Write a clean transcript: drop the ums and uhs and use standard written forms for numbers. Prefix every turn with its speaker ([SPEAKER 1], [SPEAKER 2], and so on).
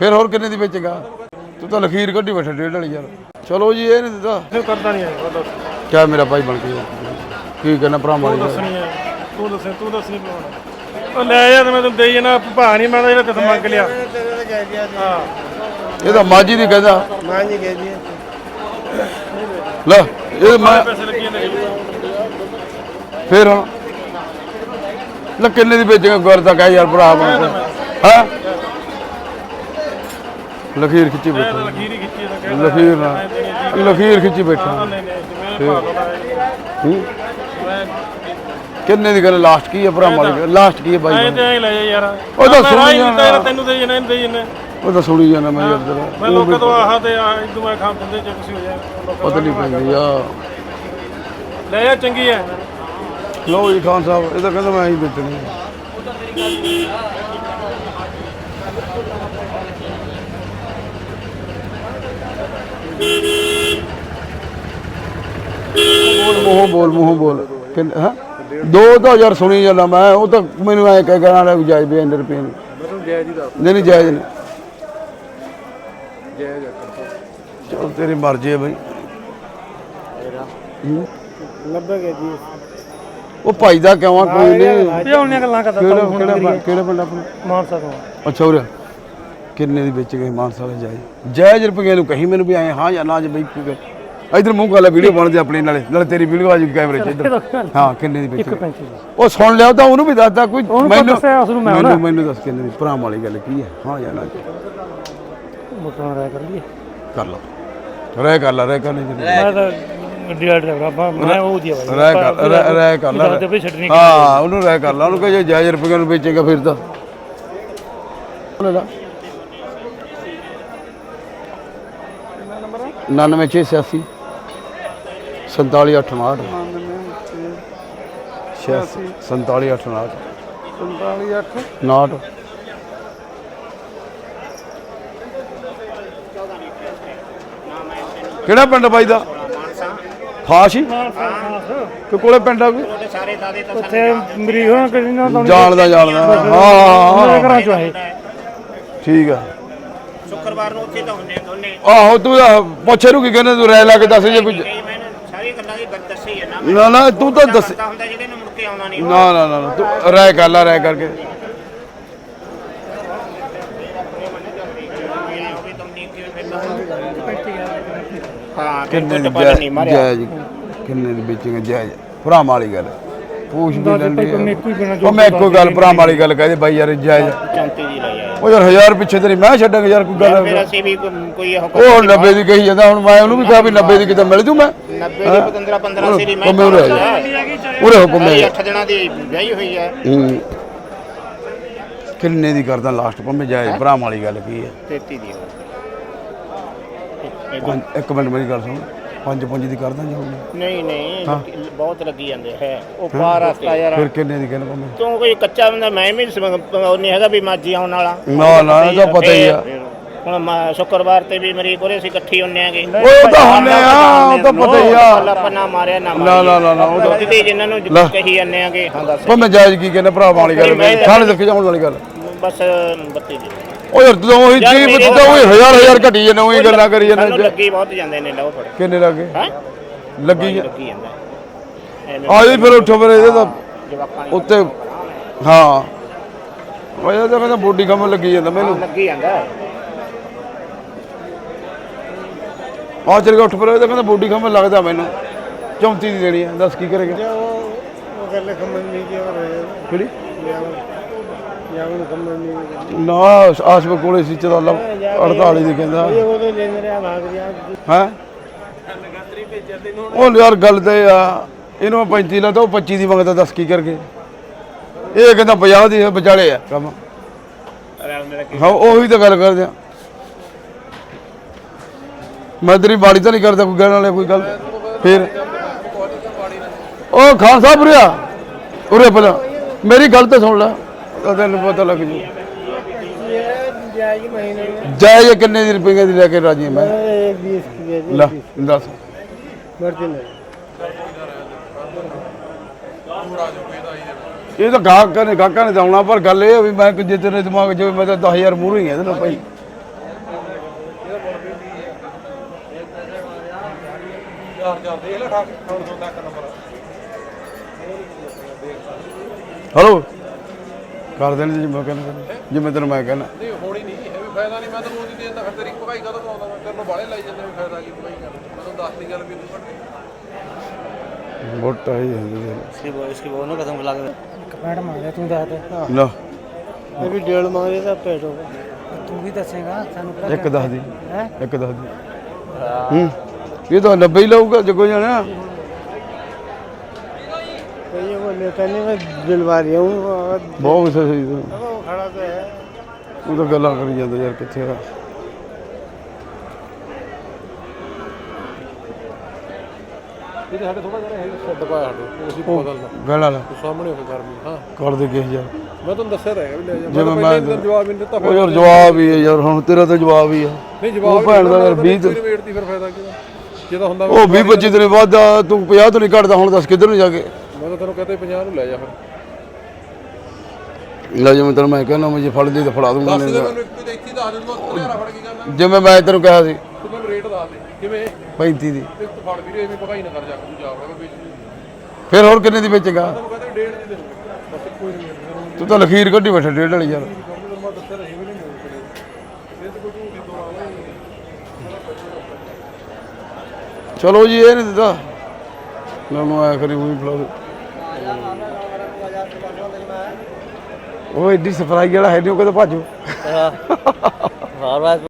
[SPEAKER 1] फिर होर किन्ने दी बेचेगा तू तो लखीर कड्डी बैठा 1.5 वाली यार चलो जी ये नहीं दिता
[SPEAKER 2] करता नहीं है
[SPEAKER 1] क्या मेरा भाई बन के की कहना भरा मारी
[SPEAKER 2] तू दस नहीं पाਉਣਾ ਲੈ ਯਾਰ ਮੈਂ ਤੈਨੂੰ ਦੇਈ ਜਾਣਾ ਭਾ ਨਹੀਂ ਮੈਂ ਤਾਂ ਜਿਹੜਾ ਕਿਸ ਮੰਗ ਲਿਆ ਹਾਂ
[SPEAKER 1] ਇਹ ਤਾਂ ਮਾਜੀ ਦੀ ਕਹਿੰਦਾ
[SPEAKER 2] ਮਾਜੀ ਕਹਿੰਦੀ
[SPEAKER 1] ਲੈ ਇਹ ਮੈਂ
[SPEAKER 2] ਪੈਸੇ ਲੱਗੇ ਨੇ
[SPEAKER 1] ਫਿਰ ਹੁਣ ਲੈ ਕਿੰਨੇ ਦੀ ਵੇਚੇਗਾ ਗੁਰ ਤਾਂ ਕਹਿ ਯਾਰ ਭਰਾ ਬਣ ਹਾਂ ਲਖੀਰ ਖਿੱਚੀ ਬੈਠਾ
[SPEAKER 2] ਲਖੀਰ ਹੀ ਖਿੱਚੀ ਤਾਂ ਕਹਿੰਦਾ
[SPEAKER 1] ਲਖੀਰ ਨਾਲ ਲਖੀਰ ਖਿੱਚੀ ਬੈਠਾ ਕਿੰਨੇ ਦੀ ਗੱਲ ਲਾਸਟ ਕੀ ਹੈ ਭਰਾ ਮਾਲੀ ਲਾਸਟ ਕੀ ਹੈ ਬਾਈ
[SPEAKER 2] ਐ ਤੇ ਐ ਲੈ ਜਾ ਯਾਰ
[SPEAKER 1] ਉਹ ਤਾਂ ਸੁਣੀ
[SPEAKER 2] ਜਾਣਾ ਤੈਨੂੰ ਦੇ ਜਨੇ ਦੇ ਜਨੇ
[SPEAKER 1] ਉਹ ਤਾਂ ਸੁਣੀ ਜਾਣਾ ਮੈਂ ਯਾਰ
[SPEAKER 2] ਮੈਂ ਲੋਕਾਂ ਤੋਂ ਆਹ ਤੇ ਇਦੋਂ ਮੈਂ ਖਾਂ ਦਿੰਦੇ ਜੇ ਤੁਸੀਂ ਹੋ ਜਾ
[SPEAKER 1] ਪਤਾ ਨਹੀਂ ਪੈਂਦੀ ਆ
[SPEAKER 2] ਲੈ ਜਾ ਚੰਗੀ ਐ
[SPEAKER 1] ਲਓ ਜੀ ਖਾਨ ਸਾਹਿਬ ਇਹ ਤਾਂ ਕਹਿੰਦਾ ਮੈਂ ਹੀ ਵੇਚਣੀ ਬੋਲ ਮੂੰਹ ਬੋਲ ਹਾਂ 2000 ਸੁਣੀ ਜਾਂਦਾ ਮੈਂ ਉਹ ਤਾਂ ਮੈਨੂੰ ਐ ਕਹਿ ਕਹਿਣਾ ਲੈ ਜਾਇਜ਼ ਵੀ ਇੰਨੇ ਰੁਪਏ ਨੂੰ
[SPEAKER 2] ਮੈਨੂੰ ਜਾਇਜ਼ ਹੀ ਦੱਸ
[SPEAKER 1] ਨਹੀਂ ਜਾਇਜ਼ ਨਹੀਂ
[SPEAKER 2] ਜਾਇਜ਼
[SPEAKER 1] ਚਲ ਤੇਰੀ ਮਰਜ਼ੀ ਹੈ ਬਈ
[SPEAKER 2] 90 ਕੇ ਜੀ
[SPEAKER 1] ਉਹ ਭਾਈ ਦਾ ਕਿਉਂ ਆ ਕੋਈ ਨਹੀਂ
[SPEAKER 2] ਤੇ ਉਹਨੇ ਗੱਲਾਂ ਕਰਦਾ
[SPEAKER 1] ਕਿਹੜਾ ਪਿੰਡ ਆਪਣਾ
[SPEAKER 2] ਮਾਨਸਾ ਤੋਂ
[SPEAKER 1] ਅੱਛਾ ਉਰੇ ਕਿੰਨੇ ਦੀ ਵੇਚ ਗਏ ਮਾਨਸਾ ਵਾਲੇ ਜਾਇਜ਼ ਰੁਪਏ ਨੂੰ ਕਹੀ ਮੈਨੂੰ ਵੀ ਆਏ ਹਾਂ ਜਾਂ ਨਾ ਜੇ ਬਈ ਇਧਰ ਮੂੰਹ ਕਰ ਲੈ ਵੀਡੀਓ ਬਣਦੀ ਆਪਣੀ ਨਾਲੇ ਤੇਰੀ ਵੀਡੀਓ ਆ ਜੂ ਕੈਮਰੇ 'ਚ ਇਧਰ ਹਾਂ ਕਿੰਨੇ ਦੀ ਵੇਚ ਉਹ ਸੁਣ ਲਿਆ ਤਾਂ ਉਹਨੂੰ ਵੀ ਦੱਸਦਾ ਕੋਈ ਮੈਨੂੰ ਦੱਸ ਕਿੰਨੇ ਦੀ ਭਰਾ ਵਾਲੀ ਗੱਲ ਕੀ ਹੈ ਹਾਂ ਜਾਂ ਨਾ
[SPEAKER 2] ਮੋਟਰ ਰਾਇ ਕਰ ਲਈਏ
[SPEAKER 1] ਕਰ ਲਓ ਰਹਿ ਕਰ ਨਹੀਂ
[SPEAKER 2] ਮੈਂ ਤਾਂ ਗੱਡੀ ਵਾਲਾ ਡਰਾਈਵਰ ਮੈਂ ਉਹ ਦੀ ਆਵਾਜ਼
[SPEAKER 1] ਰਹਿ ਕਰ ਲੈ ਹਾਂ ਉਹਨੂੰ ਰਹਿ ਕਰ ਲਾ ਉਹਨੂੰ ਕਹੇ ਜੇ ਜਾਇਜ਼ ਰੁਪਏ ਨੂੰ ਵੇਚੇਗਾ ਫਿਰ ਤਾਂ ਲੈ 99686 4768 4768 59 ਕਿਹੜਾ ਪਿੰਡ ਬਾਈ ਦਾ ਖਾਸ ਹੀ ਕਿ ਕੋਲੇ ਪਿੰਡ ਆ ਕੋਈ
[SPEAKER 2] ਉੱਥੇ ਮਰੀਜ਼ ਹੋਣਾ ਕਿਸੇ ਨਾਲ
[SPEAKER 1] ਜਾਣਦਾ ਹਾਂ
[SPEAKER 2] ਘਰਾਂ ਚੋਂ ਆਏ
[SPEAKER 1] ਠੀਕ ਆ
[SPEAKER 3] ਸ਼ੁੱਕਰਵਾਰ ਨੂੰ ਉੱਥੇ ਤਾਂ ਹੁੰਨੇ ਦੋਨੇ
[SPEAKER 1] ਆਹੋ ਤੂੰ ਪੁੱਛੇ ਨੂੰ ਕੀ ਕਹਿੰਦਾ ਤੂੰ ਰਹਿ ਲਾ ਕੇ ਦੱਸ ਜੇ ਕੋਈ
[SPEAKER 3] ਸਾਰੀ ਗੱਲਾਂ ਦੀ ਗੱਲ ਦੱਸੀ ਹੈ
[SPEAKER 1] ਨਾ ਤੂੰ ਤਾਂ ਦੱਸ
[SPEAKER 3] ਹੁੰਦਾ ਜਿਹੜੇ ਨੂੰ ਮੁੜ ਕੇ ਆਉਣਾ ਨਹੀਂ
[SPEAKER 1] ਨਾ ਤੂੰ ਰਹਿ ਕਰ ਲਾ ਰਹਿ ਕਰਕੇ
[SPEAKER 3] ਹਾਂ
[SPEAKER 1] ਕਿੰਨੇ ਦੀ ਜਾਇਜ਼ ਕਿੰਨੇ ਦੀ ਵੇਚੇਗਾ ਜਾਇਜ਼ ਭਰਾ ਵਾਲੀ ਗੱਲ ਪੂਛ ਵੀ ਲੈਂਦੀ ਉਹ ਮੈਂ ਇੱਕੋ ਗੱਲ ਭਰਾ ਵਾਲੀ ਗੱਲ ਕਹਦੇ ਬਾਈ ਯਾਰ ਜਾਇਜ਼
[SPEAKER 3] 34 ਦੀ ਲਈ ਆ
[SPEAKER 1] ਉਹ ਯਾਰ 1000 ਪਿੱਛੇ ਤੇਰੀ ਮੈਂ ਛੱਡਾਂਗਾ ਯਾਰ ਕੋਈ ਗੱਲ
[SPEAKER 3] ਫਿਰ ਅਸੀਂ ਵੀ ਕੋਈ
[SPEAKER 1] ਉਹ 90 ਦੀ ਕਹੀ ਜਾਂਦਾ ਹੁਣ ਮੈਂ ਉਹਨੂੰ ਵੀ ਕਿਹਾ ਵੀ 90 ਦੀ ਕਿਤੇ ਮਿਲ ਜੂ ਮੈਂ
[SPEAKER 3] 90 ਦੀ 15 ਸੀ ਮੈਂ
[SPEAKER 1] ਉਰੇ ਹੁਕਮ ਹੈ
[SPEAKER 3] 8 ਦਿਨਾਂ ਦੀ ਵਿਆਹੀ ਹੋਈ ਹੈ
[SPEAKER 1] ਕਿੰਨੇ ਦੀ ਕਰਦਾ ਲਾਸਟ ਪੰਮੇ ਜਾਇਜ਼ ਭਰਾ ਵਾਲੀ ਗੱਲ ਕੀ ਹੈ
[SPEAKER 3] 33 ਦੀ
[SPEAKER 1] ਇੱਕ ਮਿੰਟ ਮੇਰੀ ਗੱਲ ਸੁਣ 5 ਦੀ ਕਰਦਾ ਜਾਊਗੀ
[SPEAKER 3] ਨਹੀਂ ਬਹੁਤ ਲੱਗੀ ਜਾਂਦੇ ਹੈ ਉਹ ਪਾਰ ਰਸਤਾ ਯਾਰ
[SPEAKER 1] ਫਿਰ ਕਿੰਨੇ ਦੀ ਕਹਿੰਦਾ ਪੰਮੇ
[SPEAKER 3] ਤੂੰ ਕੋਈ ਕੱਚਾ ਬੰਦਾ ਮੈਂ ਵੀ ਨਹੀਂ ਹੈਗਾ ਵੀ ਮਾਜੀ ਆਉਣ ਵਾਲਾ
[SPEAKER 1] ਨਾ ਇਹ ਤਾਂ ਪਤਾ ਹੀ ਆ
[SPEAKER 3] ਹੁਣ ਸ਼ੁੱਕਰਵਾਰ ਤੇ ਵੀ ਮਰੀਜ਼ ਕੋਲੇ ਅਸੀਂ ਇਕੱਠੀ ਹੁੰਨੇ ਆਗੇ
[SPEAKER 1] ਉਹ ਤਾਂ ਹੁੰਨੇ ਆ ਉਹ ਤਾਂ ਪਤਾ ਹੀ ਆ
[SPEAKER 3] ਲੱਪਾ ਮਾਰਿਆ ਨਾ
[SPEAKER 1] ਨਾ ਉਹ ਤਾਂ
[SPEAKER 3] ਤੇ ਜਿਨ੍ਹਾਂ ਨੂੰ ਕਹੀ ਜਾਂਦੇ ਆਗੇ ਹਾਂ ਦੱਸ
[SPEAKER 1] ਪੰਮੇ ਜਾਇਜ਼ ਕੀ ਕਹਿੰਦਾ ਭਰਾ ਵਾਲੀ ਗੱਲ ਥਾਣੇ ਤੱਕ ਜਾਉਣ ਵਾਲੀ ਗੱਲ
[SPEAKER 3] ਬਸ 32 ਦੀ
[SPEAKER 1] ਉਹ ਯਾਰ ਤੂੰ ਉਹੀ ਚੀਜ਼ ਤਾਂ ਉਹੀ ਹਜ਼ਾਰ ਘਟੀ ਜਾਂਦਾ ਉਹੀ ਗੱਲਾਂ ਕਰੀ ਜਾਂਦਾ
[SPEAKER 3] ਲੱਗੀ ਬਹੁਤ ਜਾਂਦੇ ਨੇ ਲਓ ਫੜ
[SPEAKER 1] ਕਿੰਨੇ ਲੱਗੇ
[SPEAKER 3] ਹੈ
[SPEAKER 1] ਲੱਗੀ
[SPEAKER 3] ਜਾਂਦਾ
[SPEAKER 1] ਆ ਜੀ ਫਿਰ ਉੱਠੋ ਫਿਰ ਇਹਦੇ ਤਾਂ
[SPEAKER 3] ਜਵਾਕਾਂ
[SPEAKER 1] ਉੱਤੇ ਹਾਂ ਉਹ ਇਹ ਤਾਂ ਕਹਿੰਦਾ ਬੋਡੀ ਕੰਮ ਲੱਗੀ ਜਾਂਦਾ ਮੈਨੂੰ
[SPEAKER 3] ਲੱਗੀ ਜਾਂਦਾ
[SPEAKER 1] ਆ ਚਲ ਗਿਆ ਉੱਠ ਫਿਰ ਇਹ ਤਾਂ ਕਹਿੰਦਾ ਬੋਡੀ ਕੰਮ ਲੱਗਦਾ ਮੈਨੂੰ 34 ਦੀ ਦੇਣੀ ਆ ਦੱਸ ਕੀ ਕਰੇਗਾ
[SPEAKER 2] ਉਹ ਗੱਲ ਖੰਮਣ ਨਹੀਂ ਕੀ ਹੋ ਰਿਹਾ
[SPEAKER 1] ਕਿਹੜੀ
[SPEAKER 2] ਯਾਵਨ ਖੰਮਣ ਨਹੀਂ
[SPEAKER 1] ਨਾ ਆਸਪ ਕੋਲੇ ਸੀ ਚਦਾ 48 ਦੀ ਕਹਿੰਦਾ
[SPEAKER 2] ਉਹਦੇ ਲੈਣ ਰਿਹਾ ਭਾਗ ਰਿਹਾ
[SPEAKER 1] ਹੈ ਉਹ ਯਾਰ ਗੱਲ ਤੇ ਆ ਇਹਨੂੰ 35 ਲਾ ਤਾਂ ਉਹ 25 ਦੀ ਮੰਗਦਾ ਦੱਸ ਕੀ ਕਰਕੇ ਇਹ ਕਹਿੰਦਾ 50 ਦੀ ਵਿਚਾਲੇ ਆ ਕੰਮ ਹਾਂ ਉਹੀ ਤਾਂ ਗੱਲ ਕਰਦੇ ਆ ਮੈਂ ਤੇਰੀ ਬਾੜੀ ਤਾਂ ਨਹੀਂ ਕਰਦਾ ਕੋਈ ਕਹਿਣ ਵਾਲੇ ਕੋਈ ਗੱਲ ਫਿਰ ਉਹ ਖਾਨ ਸਾਹਿਬ ਉਰੇ ਪਹਿਲਾਂ ਮੇਰੀ ਗੱਲ ਤਾਂ ਸੁਣ ਲੈ ਤੈਨੂੰ ਪਤਾ ਲੱਗ ਜੂ ਜਾਇਜ਼ ਕਿੰਨੇ ਦੀ ਰੁਪਏ ਦੀ ਲੈ ਕੇ ਰਾਜੀ ਮੈਂ
[SPEAKER 2] 20 की
[SPEAKER 1] ਲੈ ਦੱਸ ਇਹ ਤਾਂ ਗਾਹਕਾਂ ਨੇ ਆਉਣਾ ਪਰ ਗੱਲ ਇਹ ਵੀ ਮੈਂ ਜੇ ਤੇਰੇ ਦਿਮਾਗ 'ਚ ਮੈਂ ਤਾਂ 10000 ਮੂਹਰੇ ਹੀ ਇਹਦੇ ਨਾਲ ਭਾਈ ਹਲੋ ਕਰ ਦੇਣ ਜਿਵੇਂ ਕਹਿੰਦਾ ਜਿਵੇਂ ਤੈਨੂੰ ਮੈਂ ਕਹਿੰਦਾ
[SPEAKER 4] ਨਹੀਂ ਹੋਣੀ ਨਹੀਂ ਇਹ ਵੀ ਫਾਇਦਾ ਨਹੀਂ ਮੈਂ ਤੈਨੂੰ ਉਹਦੀ ਦੇਣ ਦਾ ਫਿਰ ਤੇਰੀ ਭਗਾਈ ਕਦੋਂ ਪਾਉਂਦਾ ਮੈਂ ਤੈਨੂੰ ਬਾਲੇ ਲਾਈ ਜਾਂਦੇ ਵੀ ਫਾਇਦਾ ਕੀ ਭਗਾਈ ਕਰ ਮੈਂ ਤੈਨੂੰ ਦੱਸ ਦੀ ਗੱਲ ਵੀ ਤੂੰ
[SPEAKER 1] ਮੋਟਾ ਹੀ ਹੈ
[SPEAKER 3] इसकी बोनो कसम खिला के कमेंट मांगे तू दस दे
[SPEAKER 1] ਨਾ
[SPEAKER 3] ये भी डेढ़ मांग रहे था पेट होगा तू भी दसेगा सानू
[SPEAKER 1] ਇੱਕ ਦੱਸ ਦੀ ਇੱਕ ਦੱਸ ਦੀ ਇਹ ਤਾਂ 90 ਹੀ ਲਊਗਾ ਜਗੋ ਜਾਣਾ
[SPEAKER 3] ये वो लेता नहीं मैं दिलवा रही हूँ
[SPEAKER 1] ਬਹੁਤ ਸਹੀ
[SPEAKER 3] वो खड़ा तो है
[SPEAKER 1] ਉਹ ਤਾਂ ਗੱਲਾਂ ਕਰੀ ਜਾਂਦਾ ਯਾਰ ਕਿੱਥੇ ਆ
[SPEAKER 4] ਇਹਦੇ ਸਾਡੇ ਥੋੜਾ ਜਿਹਾ ਛੱਡ ਪਾਇਆ ਸਾਡੇ ਅਸੀਂ ਬਦਲਣਾ
[SPEAKER 1] ਗੱਲ ਵਾਲਾ
[SPEAKER 4] ਤੂੰ ਸਾਹਮਣੇ ਹੋ ਕੇ ਗਰਮੀ ਹਾਂ
[SPEAKER 1] ਕਰ ਦੇ ਕਿਸ ਯਾਰ
[SPEAKER 4] ਮੈਂ ਤੁਹਾਨੂੰ ਦੱਸਿਆ ਤਾਂ ਹੈਗਾ ਵੀ ਲੈ ਜਾ
[SPEAKER 1] ਜਿਵੇਂ
[SPEAKER 4] ਮੈਂ ਪਹਿਲੇ ਦਿਨ ਜਵਾਬ ਨਹੀਂ ਦਿੱਤਾ
[SPEAKER 1] ਉਹ ਯਾਰ ਜਵਾਬ ਹੀ ਹੈ ਯਾਰ ਹੁਣ ਤੇਰਾ ਤਾਂ ਜਵਾਬ ਹੀ ਆ
[SPEAKER 4] ਨਹੀਂ ਜਵਾਬ
[SPEAKER 1] ਉਹ ਭੈਣ ਦਾ ਯਾਰ 20
[SPEAKER 4] ਵੇਟ ਦੀ ਫਿਰ ਫਾਇਦਾ ਕਿਹਦਾ ਜਿਹਦਾ ਹੁੰਦਾ
[SPEAKER 1] ਉਹ 20 25 ਦਿਨ ਬਾਅਦ ਤੂੰ 50 ਤੋਂ ਨਹੀਂ ਘਟਦਾ ਹੁਣ ਦੱਸ ਕਿੱਧਰ ਨੂੰ ਜਾ ਕੇ
[SPEAKER 4] ਮੈਂ ਤਾਂ ਤੈਨੂੰ ਕਹਤਾ 50 ਨੂੰ ਲੈ ਜਾ ਫਿਰ
[SPEAKER 1] ਲੈ ਜਿਵੇਂ ਤੈਨੂੰ ਮੈਂ ਕਹਿੰਦਾ ਮੈਂ ਜੇ ਫੜ ਦੇ ਤਾਂ ਫੜਾ ਦੂੰਗਾ
[SPEAKER 4] ਦੱਸ ਦੇ ਮੈਨੂੰ ਇੱਕ ਤੇ ਇੱਥੇ ਦੱਸ ਦੇ ਮੈਂ ਹਜ਼ਾਰਾ ਫੜ ਕੇ ਕਰਨਾ
[SPEAKER 1] ਜਿਵੇਂ ਮੈਂ ਤੈਨੂੰ ਕਿਹਾ ਸੀ
[SPEAKER 4] ਤੂੰ ਮੈਨੂੰ ਰੇਟ ਦੱਸ ਦੇ ਕਿਵੇਂ
[SPEAKER 1] 35 ਦੀ
[SPEAKER 4] ਇੱਕ ਫੜ ਵੀਰੇ ਐਵੇਂ ਭਗਾਈ ਨਾ ਕਰ ਜਾ ਤੂੰ ਜਾ ਰਿਹਾ ਵੇਚ
[SPEAKER 1] ਫਿਰ ਹੋਰ ਕਿੰਨੇ ਦੀ ਵੇਚੇਗਾ
[SPEAKER 4] ਤੈਨੂੰ ਕਹਿੰਦਾ ਡੇਢ ਦੀ ਦੇ ਦੂੰਗਾ ਬਸ ਕੋਈ ਨਹੀਂ
[SPEAKER 1] ਤੂੰ ਤਾਂ ਲਖੀਰ ਕੱਢੀ ਬੈਠਾ ਡੇਢ ਵਾਲੀ ਯਾਰ
[SPEAKER 4] ਮੈਂ ਦੱਸਿਆ ਰਹੀ ਵੀ ਨਹੀਂ ਮਿਲਦੇ ਇਹ ਤਾਂ ਕੋਈ ਝੂਠੀ ਤੋਂ ਆਲਾ
[SPEAKER 1] ਚਲੋ ਜੀ ਇਹ ਨਹੀਂ ਦਿੱਤਾ ਮੈਨੂੰ ਆਇਆ ਕਰੀ ਉਹੀ ਫੜਾ ਦੇ ਉਹ ਐਡੀ ਸਫਰਾਈ ਵਾਲਾ ਹੈ ਨਹੀਂ ਉਹ ਕਦੇ ਭਾਜੋ
[SPEAKER 3] हर बात